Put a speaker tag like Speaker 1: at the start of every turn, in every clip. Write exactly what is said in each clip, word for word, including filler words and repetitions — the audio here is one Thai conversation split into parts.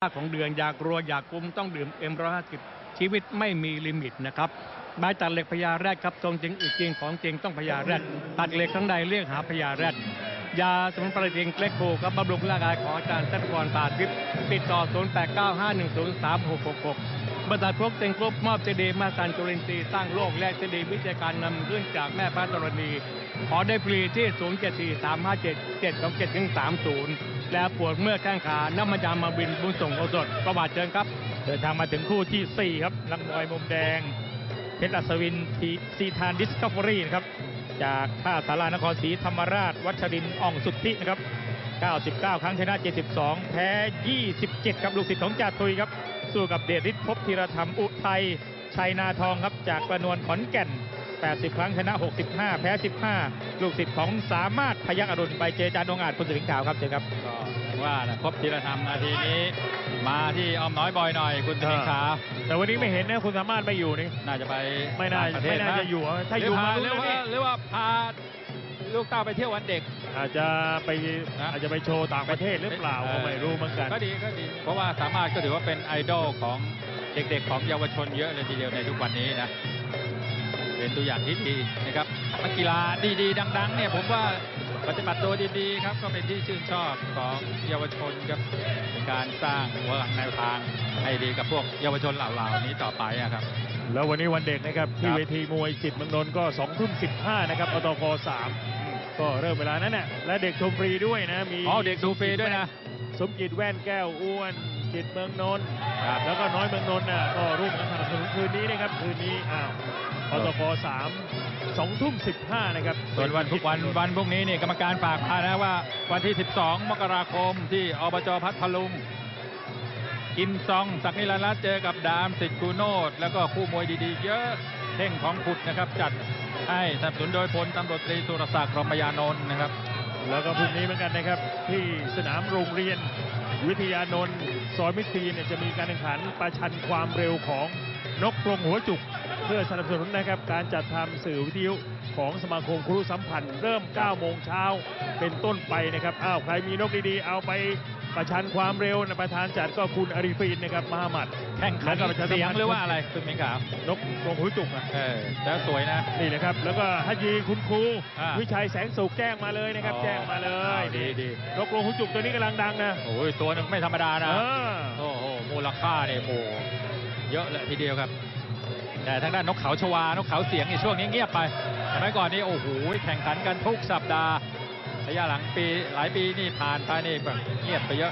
Speaker 1: ของเดือนอยากรัวอยากกุมต้องดื่มเอ็มร้อยห้าสิบชีวิตไม่มีลิมิตนะครับไม้ตัดเหล็กพญาแรดครับทรงจริงอึดจริงของจริงต้องพญาแรดตัดเหล็กข้างในเรียกหาพญาแรดยาสมุนไพรจริงเล็กโคครับบำรุงร่างกายของอาจารย์สัตกรตาทิพย์ติดต่อศูนย์ แปด เก้า ห้า หนึ่ง ศูนย์ สาม หก หก หกบริษัทพวกเต็งกรุ๊ปมอบเจดีย์มาสันจุลินทรีย์สร้างโลกและเจดีย์วิจัยการนำขึ้นจากแม่พระธรณีขอได้ฟรีที่ ศูนย์ เจ็ด สี่ สาม ห้า เจ็ด เจ็ด สอง เจ็ด ถึง สามสิบ แล้วปวดเมื่อแข้งขาน้ำมันยามาบินบุญส่งโอสถประวัติเชิญครับ
Speaker 2: เดินทางมาถึงคู่ที่สี่ครับนักมวยมุมแดงเพชรอัศวินทีซีทานดิสคัฟเวอรี่นะครับจากท่าสารานครศรีธรรมราชวัชรินทร์อ่องสุทธินะครับเก้าสิบเก้าครั้งชนะเจ็ดสิบสองแพ้ยี่สิบเจ็ดครับลูกศิษย์ของจ่าทุยครับสู้กับเดชฤทธิ์ภพธีรธรรมอุทัยชัยนาทองครับจากกระนวลขอนแก่นแปดสิบครั้งชนะหกสิบห้าแพ้สิบห้าลูกศิษย์ของสามารถพยัคฆ์อรุณไปเจจานองอาจคุณสิงห์ขาวครับเชิญครับ
Speaker 3: ก็ว่านะภพธีรธรรมนาทีนี้มาที่อ้อมน้อยบอยหน่อยคุณสิงห์ขาว
Speaker 2: แต่วันนี้ไม่เห็นนะคุณสามารถไม่อยู่นี่
Speaker 3: น่าจะไป
Speaker 2: ไม่น่าไม่น่าจะอยู่ถ้าอยู่มา
Speaker 3: หรือว่าหรือว่าพาลูกเต้าไปเที่ยววันเด็ก
Speaker 2: อาจจะไปอาจจะไปโชว์ต่างประเทศหรือเปล่าก็ไม่รู้เหมือนกัน
Speaker 3: ก็ดีก็ดีเพราะว่าสามารถก็ถือว่าเป็นไอดอลของเด็กๆของเยาวชนเยอะเลยทีเดียวในทุกวันนี้นะเป็นตัวอย่างที่ดีนะครับนักกีฬาดีๆดังๆเนี่ยผมว่าปฏิบัติตัวดีๆครับก็เป็นที่ชื่นชอบของเยาวชนครับในการสร้างวางแนวทางให้ดีกับพวกเยาวชนเหล่าๆนี้ต่อไปครับ
Speaker 2: แล้ววันนี้วันเด็กนะครับที่เวทีมวยจิตเมืองนนท์ก็สองทุ่มสิบห้านะครับอตกสามก็เริ่มเวลานั้นน่ะและเด็กชมฟรีด้วยนะมี
Speaker 3: อ๋อเด็กดูฟรีด้วยนะ
Speaker 2: สมจิตแว่นแก้วอ้วนจิตเมืองนนท์แล้วก็น้อยเมืองนนท์น่ะก็ร่วมกันสนับสนุนคืนนี้นะครับคืนนี้อ้าวอตกสามสองทุ่มสิบห้านะครับ
Speaker 3: ส่วนวันทุกวันวันพวกนี้นี่กรรมการฝากมานะว่าวันที่สิบสองมกราคมที่อบจพัทลุงกิมซองศักดิ์นิรันดร์รัตน์เจอกับดามสิทธิ์กูโนดแล้วก็คู่มวยดีๆเยอะเท่งของขุดนะครับจัดให้สนับสนุนโดยพลตำรวจตรีสุรศักดิ์รมยานนท์นะครับ
Speaker 2: แล้วก็พรุ่งนี้เหมือนกันนะครับที่สนามโรงเรียนวิทยานนท์ซอยมิตรเนี่ยจะมีการแข่งขันประชันความเร็วของนกกรงหัวจุกเพื่อสนับสนุนนะครับการจัดทำสื่อวิทยุของสมาคมครูสัมพันธ์เริ่มเก้าโมงเช้าเป็นต้นไปนะครับอ้าวใครมีนกดีๆเอาไปประชันความเร็วนะประธานจัดก็คุณอาริฟีนนะครับมหามัด
Speaker 3: แข่งขันเสียงหรือว่าอะไรคุณมิงขา
Speaker 2: วนกกรงหัวจุกอ่ะ
Speaker 3: เออแล้วสวยนะ
Speaker 2: นี่นะครับแล้วก็ฮัจีคุณครูวิชัยแสงสุขแจ้งมาเลยนะครับแจ้งมาเลย
Speaker 3: ดีดี
Speaker 2: นกกรงหัวจุกตัวนี้กำลังดังนะ
Speaker 3: โอ้ยตัวนึงไม่ธรรมดานะโอ้โหมูลค่าเนี่ยโอ้เยอะเลยทีเดียวครับแต่ทางด้านนกเขาชวานกเขาเสียงในช่วงนี้เงียบไปสมัยก่อนนี่โอ้โหแข่งขันกันทุกสัปดาห์ระยะหลังปีหลายปีนี่ผ่านไปนี่แบบเงียบไปเยอะ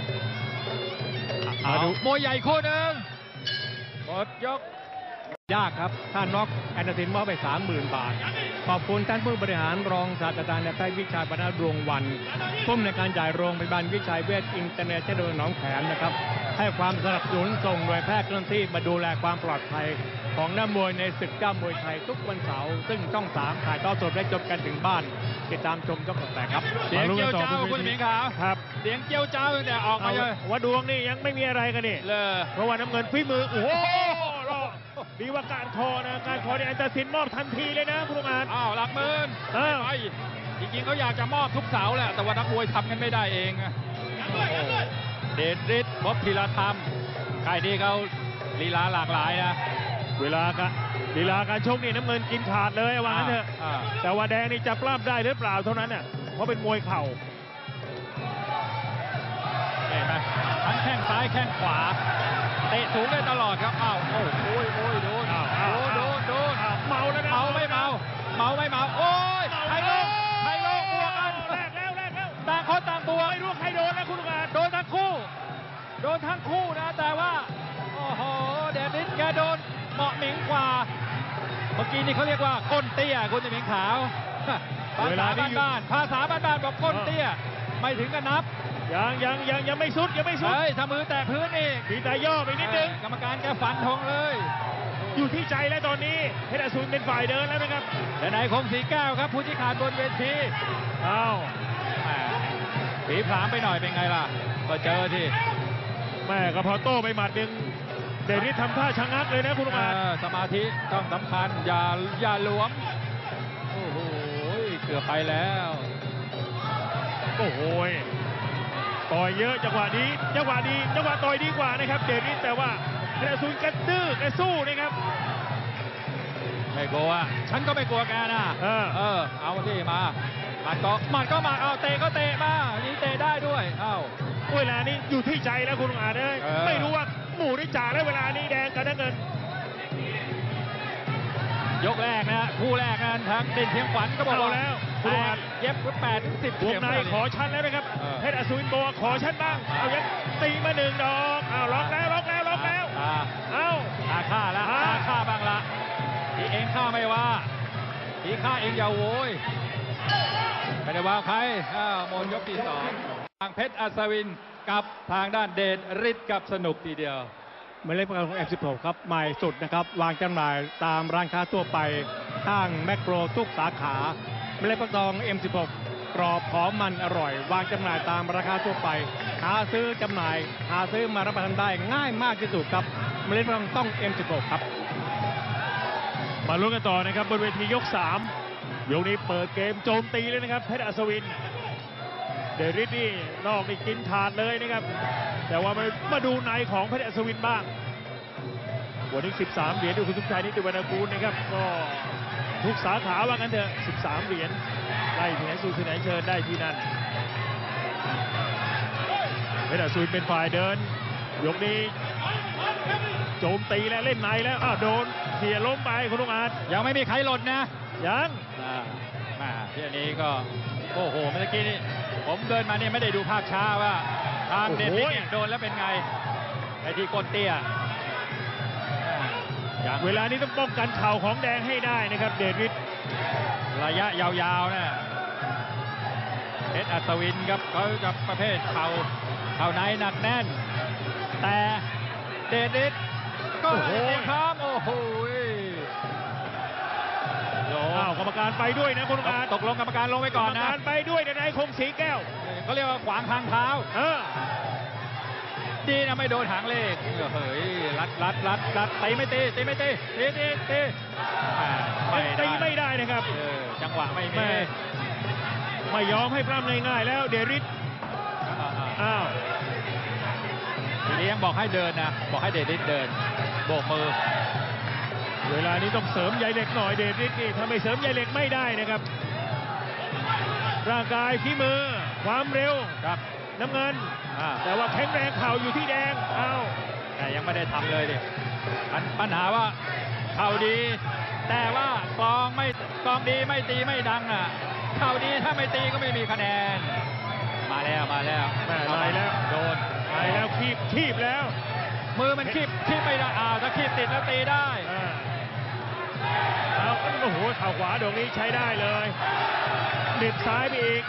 Speaker 3: มาดูมวยใหญ่คู่หนึ่งหมดยก
Speaker 1: ยากครับถ้าน็อกแอนเดอร์สินมอบไป สามหมื่น บาทขอบคุณท่านผู้บริหารรองศาสตราจารย์นายแพทย์วิชัยบรรณดวงวันผู้อำนวยการใหญ่โรงพยาบาลวิชัยเวชอินเตอร์เนชั่นแนลหนองแขมนะครับให้ความสนับสนุนส่งหน่วยแพทย์เคลื่อนที่มาดูแลความปลอดภัยของนักมวยในศึกเจ้ามวยไทยทุกวันเสาร์ซึ่งช่องสามถ่ายทอดสดและจบกันถึงบ้านติดตามชมช่องแปดครับ
Speaker 3: เสียงเจียวเจ้าคุณหมิงขาว
Speaker 2: ครับ
Speaker 3: เสียงเจียวเจ้าตั้งแต่ออกมาเลย
Speaker 2: ว่าดวงนี่ยังไม่มีอะไรกันนี่
Speaker 3: เลย
Speaker 2: เพราะว่าน้ำเงินฝีมือโอ้โหดีว่าการคอนะการคอเนี่ยอันตรสินมอบทันทีเลยนะคุณลุงอาจ
Speaker 3: อ้าวหลักหมื่น
Speaker 2: เออ
Speaker 3: จริงๆเขาอยากจะมอบทุกเสาแหละแต่ว่านักมวยทำกันไม่ได้เองเดชฤทธิ์ภพธีรธรรมค่ายนี้เขาลีลาหลากหลายนะ
Speaker 2: เวลาการลีลาการชกนี่น้ำเงินกินขาดเลยว่างั้นเถอะแต่ว่าแดงนี่จะปล้ำได้หรือเปล่าเท่านั้นเนี่ยเพราะเป็นมวยเข่า
Speaker 3: เห็นไหมทั้งแข้งซ้ายแข้งขวาเตะสูงได้ตลอดครับอ้าวโอ้โหโอ้ยโดนโดนโดนโดน
Speaker 2: เมาแล้วนะ
Speaker 3: เมาไม่เมาเมาไม่เมาโอ้ยไทยโลกไทยโลกบวกกัน
Speaker 2: แรกแล้วแรกแล้ว
Speaker 3: ต่างคนต่างบวก
Speaker 2: ไม่รู้ใครโดนนะคุณลุงอาจ
Speaker 3: โดนทั้งคู่โดนทั้งคู่นะแต่ว่าโอ้โหเดนิสแกโดนเหมาะหมิงกว่าเมื่อกี้นี่เขาเรียกว่าก้นเตี้ยคุณหมิงขาวภาษาบ้านๆภาษาบ้านๆบอกก้นเตี้ยไม่ถึงกันนับ
Speaker 2: ยังยังยังยังไม่สุดยังไม่สุด
Speaker 3: เฮ้ยถ้ามือแตะพื้นนี่
Speaker 2: มีตาย่อไปนิดนึง
Speaker 3: กรรมการแกฟันธงเลย
Speaker 2: อยู่ที่ใจแล้วตอนนี้เพชรอสูรเป็นฝ่ายเดินแล้วนะครับ
Speaker 3: แต่นายคงสีแก้วครับผู้ชี้ขาดบนเวที
Speaker 2: อ้าว
Speaker 3: ผีผลามไปหน่อยเป็นไงล่ะก็เจอที่
Speaker 2: แม่ก็พอโต้ไปหมัดหนึ่งเดนิสทำท่าชะงักเลยนะคุณลุงอา
Speaker 3: สมาธิต้องสำคัญอย่าอย่าหลวมโอ้โหเกือบไปแล้ว
Speaker 2: โอ้โห
Speaker 4: ต่อยเยอะจังหวะนี้จังหวะดีจังหวะต่อยดีกว่านะครับเดริสแต่ว่าเพชรอสูรกระดื้อกระสู้นะครับ
Speaker 3: ไม่กลัวฉันก็ไม่กลัวแกนะ
Speaker 4: เออ
Speaker 3: เออเอาที่มามันก็มันก็มาเอาเตะก็เตะมายิงเตะได้ด้วยเอ้า
Speaker 4: เวลานี้อยู่ที่ใจแล้วคุณลุงอาจเลย
Speaker 3: เออ
Speaker 4: ไม่รู้ว่าหมู่ได้จ่าแล้วเวลานี้แดงกับน้ำเงิน
Speaker 3: ยกแรกนะคู่แรกนั้นทางเด่นเพียงขวัญก็บอก
Speaker 4: เอา
Speaker 3: ว่า
Speaker 4: แล้วคุณ
Speaker 3: แป
Speaker 4: ลุงอา
Speaker 3: ด
Speaker 4: จ
Speaker 3: เย็บแปดถึงสิบ
Speaker 4: วงในขอชั้นแล้วนะครับ
Speaker 3: เออ
Speaker 4: เพชรอสูรบอกว่าขอชั้นบ้างเอายังตีมาหนึ่งดอกเอาล็อกแล้วล็อกแล้วล็อกแล้ว
Speaker 3: ตา
Speaker 4: เอา
Speaker 3: ตาฆ่าละ
Speaker 4: อ่า
Speaker 3: ตาฆ่าบ้างละที่เองฆ่าไม่ว่าที่ฆ่าเองอย่าโวยไม่ได้ว่าใครอ้าวหมดยกที่สองทางเพชรอัศวินกับทางด้านเดชฤทธิ์กับสนุกทีเดียว
Speaker 1: หมายเลขประกันของ เอ็ม สิบหก ครับใหม่สุดนะครับวางจำหน่ายตามร้านค้าทั่วไปข้างแมคโครทุกสาขาหมายเลขประกัน เอ็ม สิบหก กรอบหอมมันอร่อย วางจำหน่ายตามราคาทั่วไป หาซื้อจำหน่าย หาซื้อมารับประทานได้ง่ายมากที่สุดครับหมายเลขประกันต้อง เอ็ม สิบหก ครับ
Speaker 4: มาลุ้นกันต่อนะครับบนเวทียกสามยกนี้เปิดเกมโจมตีเลยนะครับเพชรอัศวินเดริสนี่นอกนี่กินขาดเลยนะครับ แต่ว่ามามาดูในของเพชรอัศวินบ้างวันนี้สิบสามเหรียญดูคุณทุกชายนิติวรรณกูลนะครับก็ทุกสาขาว่ากันเถอะสิบสามเหรียญได้ที่ไหนสู่ที่ไหนเชิญได้ที่นั่นเพชรอัศวินเป็นฝ่ายเดินยกนี้โจมตีและเล่นในแล้วอ้าวโดนเขี่ยล้มไปคุณลุงอาจ
Speaker 3: ยังไม่มีใครหล่นนะ
Speaker 4: ยัง
Speaker 3: อ่ามาที่อันนี้ก็โอ้โหเมื่อกี้นี่ผมเดินมาเนี่ยไม่ได้ดูภาพช้าว่าทางเดนนิสเนี่ยโดนแล้วเป็นไงไอ้ที่ก้นเตี้ยอ่าอย่าง
Speaker 4: เวลานี้ต้องป้องกันเข่าของแดงให้ได้นะครับเดริส
Speaker 3: ระยะยาวๆนะเพชรอัศวินครับเขาจะประเภทเข่าเข่าในหนักแน่น แต่เดนิสก็เตรียมพร้อมโอ้โหโล
Speaker 4: อ้าวกรรมการไปด้วยนะคุณลุงอาจ
Speaker 3: ตกลงกรรมการลงไปก่อน
Speaker 4: กรรม
Speaker 3: นะ
Speaker 4: การไปด้วยนายคงศรีแก้ว
Speaker 3: เขาเรียกว่าขวางทางเท้า
Speaker 4: เออ
Speaker 3: ดีนะไม่โดนหางเลขเฮ้ยรัดรัดรัดรัดตีไม่ตีตีไม่ตีตีตีตีอ่าไม่
Speaker 4: ตี
Speaker 3: ได้
Speaker 4: ไม่ได้นะครับ
Speaker 3: เออจังหวะไม่
Speaker 4: แม่
Speaker 3: มี
Speaker 4: ไม่ยอมให้ปล้ำง่ายๆแล้วเดริส
Speaker 3: อ่าอ่า
Speaker 4: อ้าว
Speaker 3: ทีนี้ยังบอกให้เดินนะบอกให้เดนิสเดินโบกมือ
Speaker 4: เวลานี้ต้องเสริมใยเหล็กหน่อยเดริสนี่ถ้าไม่เสริมใยเหล็กไม่ได้นะครับ ร่างกายฝีมือ ความเร็ว
Speaker 3: ครับ
Speaker 4: น้ำเงิน
Speaker 3: อ่า
Speaker 4: แต่ว่าแข็งแรงเข่าอยู่ที่แดงอ้าว
Speaker 3: แต่ยังไม่ได้ทำเลยดิปัญปัญหาว่าเข่าดี แต่ว่ากลองไม่กลองดีไม่ตีไม่ดังอ่ะเข่าดีถ้าไม่ตีก็ไม่มีคะแนน มาแล้วมาแล้ว
Speaker 4: แม่ไล่แล้ว
Speaker 3: โดน
Speaker 4: ไปแล้วคีบคีบแล้ว
Speaker 3: มือมันคีบคีบไม่ได้อ้าวถ้าคีบติดแล้วตีได้
Speaker 4: อ่าเอาโอ้โหเข่าขวาดวงนี้ใช้ได้เลยเด็ดซ้ายไปอีก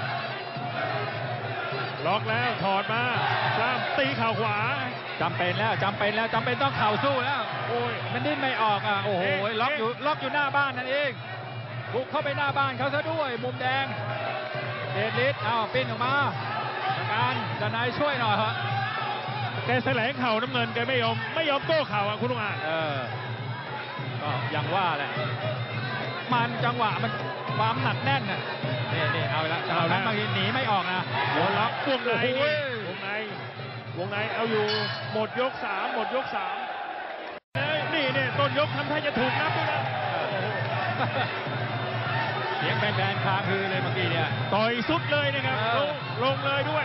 Speaker 4: ล็อกแล้วถอดมาปล้ำตีเข่าขวา
Speaker 3: จำเป็นแล้วจำเป็นแล้วจำเป็นต้องเข่าสู้แล้ว
Speaker 4: โอ้ย
Speaker 3: มันดิ้นไม่ออกอ่ะโอ้โห
Speaker 4: เอ๊ะ
Speaker 3: ล็อกอยู่ล็อกอยู่หน้าบ้านนั่นเองบุกเข้าไปหน้าบ้านเขาซะด้วยมุมแดงเดชฤทธิ์เอาปิ้นออกมาการดนายช่วยหน่อยฮะ
Speaker 4: แกแสลงเข่าน้ำเงินแกไม่ยอมไม่ยอมโต้เข่าอ่ะคุณลุงอ่าน
Speaker 3: เออก็ยังว่าแหละมันจังหวะมันความหนักแน่นน่ะนี่นี่เอาละจังหวะนั้นบางทีหนีไม่ออกนะ
Speaker 4: โดนล็อกวงใน
Speaker 3: โอ้โห
Speaker 4: นี่วงในวงในเอาอยู่หมดยกสามหมดยกสามเอ้ยนี่เนี่ยต้นยกทำท่าจะถูกนับด้วยนะ
Speaker 3: เสียงแฟนๆค้างคือเลยเมื่อกี้เนี่ย
Speaker 4: ต่อยสุดเลยนะครับ
Speaker 3: เอ
Speaker 4: ล
Speaker 3: อ
Speaker 4: งลงเลยด้วย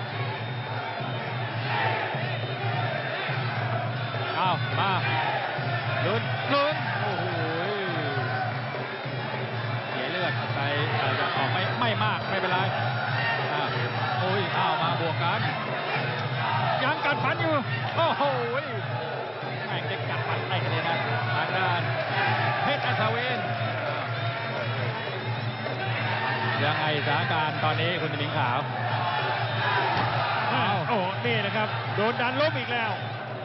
Speaker 3: เอามาลุ้นลุ้นโอ้โหเสียเลือดไปอาจจะออกไม่ไม่มากไม่เป็นไรอ่ะโอ้ยเอามาบวกกันยังกัดฟันอยู่โอ้โหแม่งจะกัดฟันไปกันเลยนะทางด้านเพชรอัศวินยังไงสถานการณ์ตอนนี้คุณหมิงขาว
Speaker 4: อ้าวโอ้โหนี่นะครับโดนดันล้มอีกแล้ว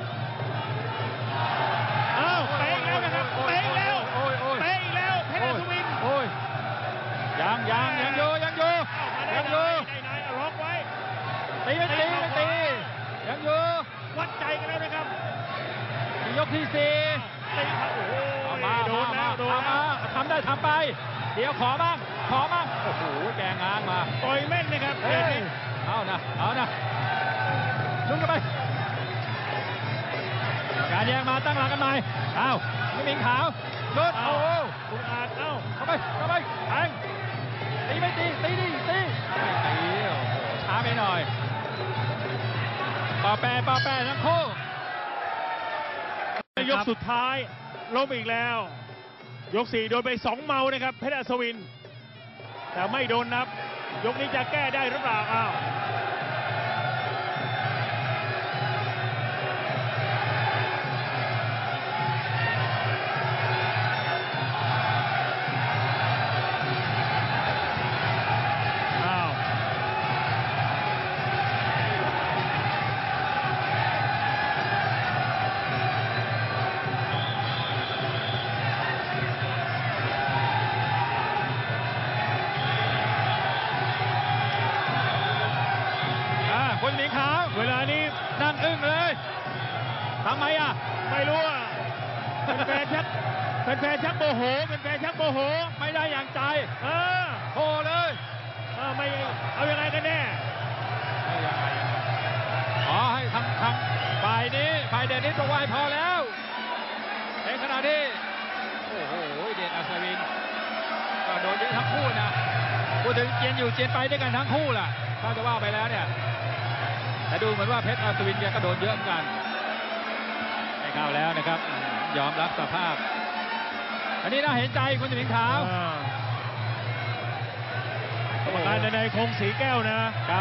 Speaker 4: อ้าวเตะอีกแล้วนะครับเตะอีกแล้ว
Speaker 3: โอ้ยโอ้ย
Speaker 4: เตะอีกแล้วเพชรอัศวิน
Speaker 3: โอ้ยยังยังยังอยู่ยังอยู่
Speaker 4: อ้าวมาได้
Speaker 3: ยัง
Speaker 4: ไห
Speaker 3: อน ยู่
Speaker 4: ได้ไหนเอาล็อกไว้
Speaker 3: ตีไม่ตีไม่ตียังอยู่
Speaker 4: วัดใจกันแล้วนะครับ
Speaker 3: ยกที่สี่
Speaker 4: ตีครับโอ้โห
Speaker 3: เอามา
Speaker 4: โดนแล้วโดน
Speaker 3: เอา
Speaker 4: แล้
Speaker 3: มาว ทำได้ทำไป เดี๋ยวขอบ้างขอบ้างโอ้โหแกงงานมา
Speaker 4: ต่อยแม่นนะครับ
Speaker 3: เฮ้ยเอานะเอานะลุ้นกันไปการแยงมาตั้งหลักกันใหม่อ้าวไม่มีขาวลุ้นโอ้โห
Speaker 4: คุณอาจเอ้า
Speaker 3: เข้าไปเข้าไปแทงตีไม่ตีตีดิตีไม่ตีโอ้โหช้าไปหน่อยปอแปรปอแปรทั้งคู่
Speaker 4: ยกสุดท้ายล้มอีกแล้ว ยกสี่โดนไปสองเมานะครับเพชรอัศวินแต่ไม่โดนนับยกนี้จะแก้ได้หรือเปล่าอ้าวอ้าว
Speaker 3: คนหมีขาว
Speaker 4: เวลานี้
Speaker 3: นั่งอึ้งเลยทำไมอ่ะ
Speaker 4: ไม่รู้อ่ะเป็นแฟนชักเป็นแฟนชักโมโหเป็นแฟนชักโมโห
Speaker 3: ไม่ได้อย่างใจ
Speaker 4: เออ
Speaker 3: โทรเลย
Speaker 4: เออไม่เอายังไงกันแน่
Speaker 3: ไม่ยังไงอ๋อให้ทางทางฝ่ายนี้ฝ่ายเดนิสบอกว่าให้พอแล้วในขณะที่โอ้โหเดชอัศวินก็โดนเยอะทั้งคู่นะพูดถึงเจียนอยู่เจียนไปด้วยกันทั้งคู่ล่ะถ้าจะว่าไปแล้วเนี่ยแต่ดูเหมือนว่าเพชรอัศวินแกก็โดนเยอะเหมือนกันไม่เข้าแล้วนะครับยอมรับสภาพอันนี้น่าเห็นใจคุณหมิงขาว
Speaker 4: อ่ากรรมการในคงสีแก้วนะครับ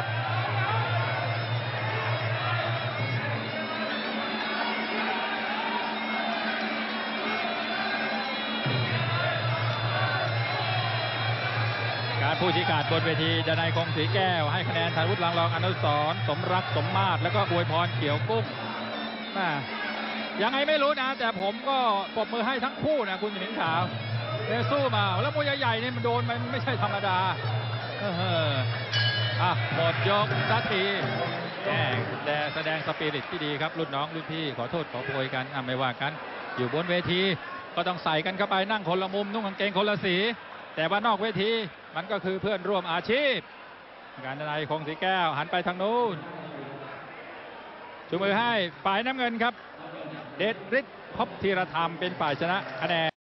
Speaker 3: การผู้ชี้ขาดบนเวทีดนัยคงศรีแก้วให้คะแนนธัญวุฒิลังรองอนุสรณ์สมรักสมมาตรแล้วก็อวยพรเขียวกุ้งน่ายังไงไม่รู้นะ แต่ผมก็ปรบมือให้ทั้งคู่นะคุณหมิงขาวเนี่ยสู้มาแล้วมวยใหญ่ๆนี่มันโดนมันไม่ใช่ธรรมดาเอออ่ะหมดยกสักทีแหมแต่แสดงสปิริตที่ดีครับรุ่นน้องรุ่นพี่ขอโทษขอโพยกันอ่ะไม่ว่ากันอยู่บนเวทีก็ต้องใส่กันเข้าไปนั่งคนละมุมนุ่งกางเกงคนละสีแต่ว่านอกเวทีมันก็คือเพื่อนร่วมอาชีพการดนัยคงศรีแก้วหันไปทางนู้นชูมือให้ฝ่ายน้ำเงินครับเดชฤทธิ์ภพธีรธรรมเป็นฝ่ายชนะคะแนน